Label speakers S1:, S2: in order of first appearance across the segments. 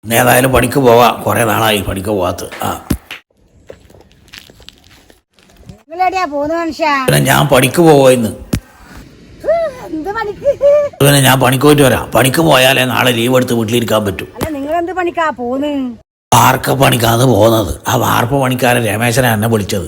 S1: ഏതായാലും പണിക്ക് പോവാം, കുറേ നാളായി പണിക്ക് പോവാത്ത. പിന്നെ ഞാൻ പണിക്ക് പോവാ ഇന്ന്. പിന്നെ ഞാൻ പണിക്ക് പോയിട്ട് വരാം. പണിക്ക് പോയാലേ നാളെ ലീവ് എടുത്ത് വീട്ടിലിരിക്കാൻ പറ്റും. വാർക്ക പണിക്കാന്ന് പോകുന്നത്. ആ വാർപ്പ് പണിക്കാരൻ രമേശനാ എന്നെ വിളിച്ചത്.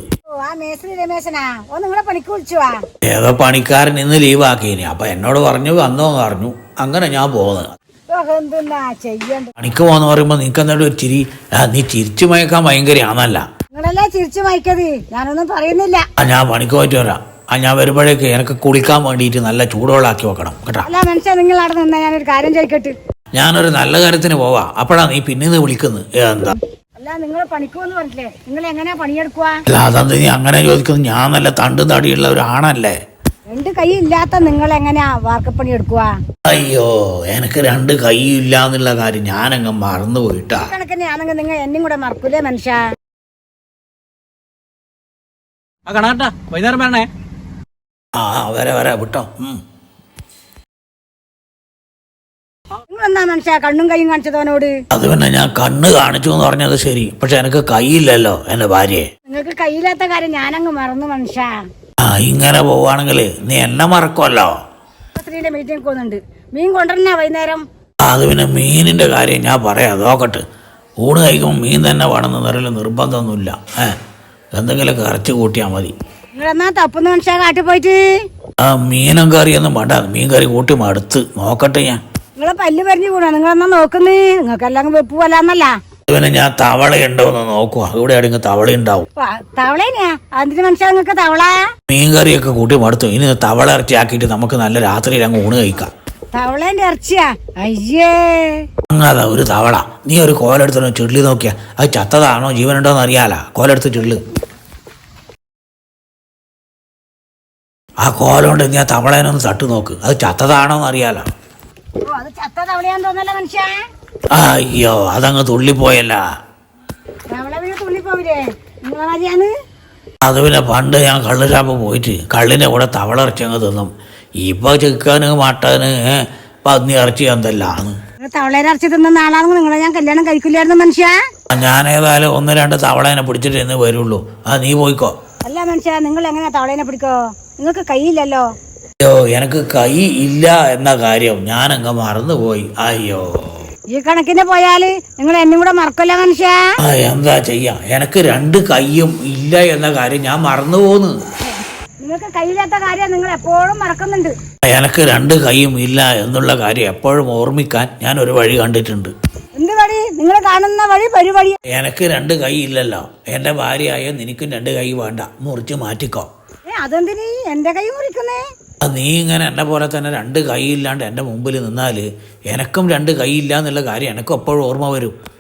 S1: ഏതോ പണിക്കാരൻ ഇന്ന് ലീവ് ആക്കിയിനി. അപ്പൊ എന്നോട് പറഞ്ഞു വന്നോന്ന് പറഞ്ഞു. അങ്ങനെ ഞാൻ പോകുന്നത്. പണിക്ക് പോന്ന് പറയുമ്പോ നിനക്ക് എന്നിട്ട് ഒരു ചിരി, നീ ചിരിച്ചു മയക്കാൻ ഭയങ്കരയാണല്ല.
S2: ഞാനൊന്നും പറയുന്നില്ല.
S1: ഞാൻ പണിക്ക് പോയിട്ട് വരാം. ഞാൻ വരുമ്പോഴേക്ക് എനിക്ക് കുളിക്കാൻ വേണ്ടിയിട്ട് നല്ല ചൂടുവെള്ളാക്കി വെക്കണം കേട്ടോ.
S2: നിങ്ങൾ അവിടെ നിന്നാ ഞാനൊരു കാര്യം ചോദിക്കട്ടെ.
S1: ഞാനൊരു നല്ല കാര്യത്തിന് പോവാ. അപ്പഴാ നീ പിന്നീന്ന് വിളിക്കുന്നത്. എന്താ
S2: അല്ല, നിങ്ങൾ പണിക്കുമെന്ന് പറഞ്ഞില്ലേ, നിങ്ങൾ എങ്ങനെയാ പണിയെടുക്കുക?
S1: അല്ല, അതെന്ത് നീ അങ്ങനെ ചോദിക്കുന്നത്? ഞാൻ നല്ല തണ്ടും തടിയുള്ള ഒരാണല്ലേ.
S2: രണ്ട് കൈ ഇല്ലാത്ത നിങ്ങൾ എങ്ങനെയാ വാർക്കപ്പണി എടുക്കുക?
S1: അയ്യോ, എനിക്ക് രണ്ട് കൈ ഇല്ല എന്നുള്ള കാര്യം ഞാനങ്ങ് മറന്നു പോയിട്ടാ.
S2: കണക്കിനാണെങ്കിൽ നിങ്ങൾ എന്നും കൂടെ മറക്കൂലേ മനുഷ്യ?
S3: വൈകുന്നേരം വേണേ.
S1: വരെ വിട്ടോ.
S2: നിങ്ങളെന്നാ മനുഷ്യ കണ്ണും കൈയും കാണിച്ചതോനോട്?
S1: അത് പിന്നെ ഞാൻ കണ്ണ് കാണിച്ചു എന്ന് പറഞ്ഞത് ശരി, പക്ഷെ എനിക്ക് കൈയില്ലല്ലോ എന്റെ ഭാര്യയെ.
S2: നിങ്ങൾക്ക് കൈയില്ലാത്ത കാര്യം ഞാനങ്ങ് മറന്നു മനുഷ്യ.
S1: ഇങ്ങനെ പോവാണെങ്കിൽ നീ എന്നെ മറക്കുമല്ലോ.
S2: സ്ത്രീയുടെ മീറ്റിംഗ് പോകുന്നുണ്ട്. മീൻ കൊണ്ടുവരണ വൈകുന്നേരം.
S1: അത് പിന്നെ മീനിന്റെ കാര്യം ഞാൻ പറയാം, നോക്കട്ടെ. ഊണ് കഴിക്കുമ്പോൾ മീൻ തന്നെ വേണമെന്ന് നിറയിൽ നിർബന്ധമൊന്നുമില്ല. എന്തെങ്കിലുമൊക്കെ ഇറച്ചി കൂട്ടിയാൽ മതി.
S2: നിങ്ങളെന്നാ തപ്പുന്ന മനുഷ്യ കാട്ടിൽ പോയിട്ട്
S1: മീനും കറിയൊന്നും വേണ്ട. മീൻ കറി കൂട്ടി മടുത്ത്. നോക്കട്ടെ ഞാൻ.
S2: നിങ്ങളെ പല്ല് പറഞ്ഞു കൂടാ. നിങ്ങളെന്നാ നോക്കുന്നേ? നിങ്ങൾക്കെല്ലാം വെപ്പ് പോലാന്നല്ല.
S1: പിന്നെ ഞാൻ തവളയുണ്ടോ എന്ന് നോക്കുക. ഇവിടെ ആണെങ്കിൽ തവള ഉണ്ടാവും.
S2: തവളേനെയാ? അതിന് മനുഷ്യ നിങ്ങൾക്ക് തവള?
S1: മീൻ കറിയൊക്കെ കൂട്ടി മടുത്തു. ഇനി തവള ഇറച്ചി ആക്കിയിട്ട് നമുക്ക് നല്ല രാത്രിയിൽ അങ്ങ് ഊണ് കഴിക്കാം.
S2: തവളേന്റെ ഇറച്ചിയാ? അയ്യേ,
S1: അങ്ങാതാ ഒരു തവള. നീ ഒരു കോലെടുത്തോ ചുള്ളി നോക്കിയാ അത് ചത്തതാണോ ജീവനുണ്ടോന്ന് അറിയാല. കോലെടുത്ത് ചുള്ളു. ആ കോലുകൊണ്ട് നീ ആ തവളേനൊന്ന് തട്ടു നോക്ക്. അത് ചത്തതാണോന്ന് അറിയാലോ.
S2: അത് ചത്ത തവളയാന്ന് തോന്നല്ല മനുഷ്യ.
S1: അയ്യോ, അതങ്ങ് തുള്ളിപ്പോയല്ല.
S2: തവള വീട് തുള്ളിപ്പോവില്ലേ? നിങ്ങളാരിയാണ്?
S1: അത് പിന്നെ പണ്ട് ഞാൻ കള്ളുഷാപ്പ് പോയിട്ട് കള്ളിൻ്റെ കൂടെ തവള ഇറച്ചി അങ്ങ് തിന്നും. ഇപ്പൊ ചിക്കന് മട്ടന് പന്നി ഇറച്ചി എന്തെല്ലാന്ന്.
S2: തവളേനെ ഇറച്ചി തിന്നുന്ന ആളാണെങ്കിൽ നിങ്ങളെ ഞാൻ കല്യാണം കഴിക്കില്ലായിരുന്നു മനുഷ്യ.
S1: ഞാൻ ഏതായാലും 1-2 തവളേനെ പിടിച്ചിട്ട് എന്ന് വരുള്ളൂ. നീ പോയിക്കോ.
S2: അല്ല മനുഷ്യ, നിങ്ങൾ എങ്ങനെയാ തവളേനെ പിടിക്കോ? നിങ്ങൾക്ക് കൈയില്ലല്ലോ.
S1: അയ്യോ, എനിക്ക് കൈ ഇല്ല എന്ന കാര്യം ഞാനങ്ങ് മറന്നുപോയി. അയ്യോ,
S2: ഈ കണക്കിന് പോയാല് നിങ്ങൾ എന്നും കൂടെ മറക്കല്ല മനുഷ്യ.
S1: എന്താ ചെയ്യാ, എനിക്ക് 2 കൈയും ഇല്ല എന്ന കാര്യം ഞാൻ മറന്നു പോന്ന്.
S2: നിങ്ങൾക്ക് കൈയില്ലാത്ത കാര്യം നിങ്ങൾ എപ്പോഴും മറക്കുന്നുണ്ട്.
S1: എനിക്ക് 2 കൈയും ഇല്ല എന്നുള്ള കാര്യം എപ്പോഴും ഓർമ്മിക്കാൻ ഞാൻ ഒരു വഴി കണ്ടിട്ടുണ്ട്.
S2: എന്ത് വഴി? നിങ്ങൾ കാണുന്ന വഴി പരിവഴി.
S1: എനിക്ക് 2 കൈ ഇല്ലല്ലോ. എന്റെ ഭാര്യയായ നിനക്കും 2 കൈ വേണ്ട, മുറിച്ച് മാറ്റിക്കോ.
S2: അതെന്തിനീ എന്റെ കൈ മുറിക്കുന്നേ?
S1: നീ ഇങ്ങനെ എന്നെ പോലെ തന്നെ 2 കൈ ഇല്ലാണ്ട് എൻ്റെ മുമ്പിൽ നിന്നാല് എനക്കും 2 കൈ ഇല്ല എന്നുള്ള കാര്യം എനക്കും എപ്പോഴും ഓർമ്മ വരും.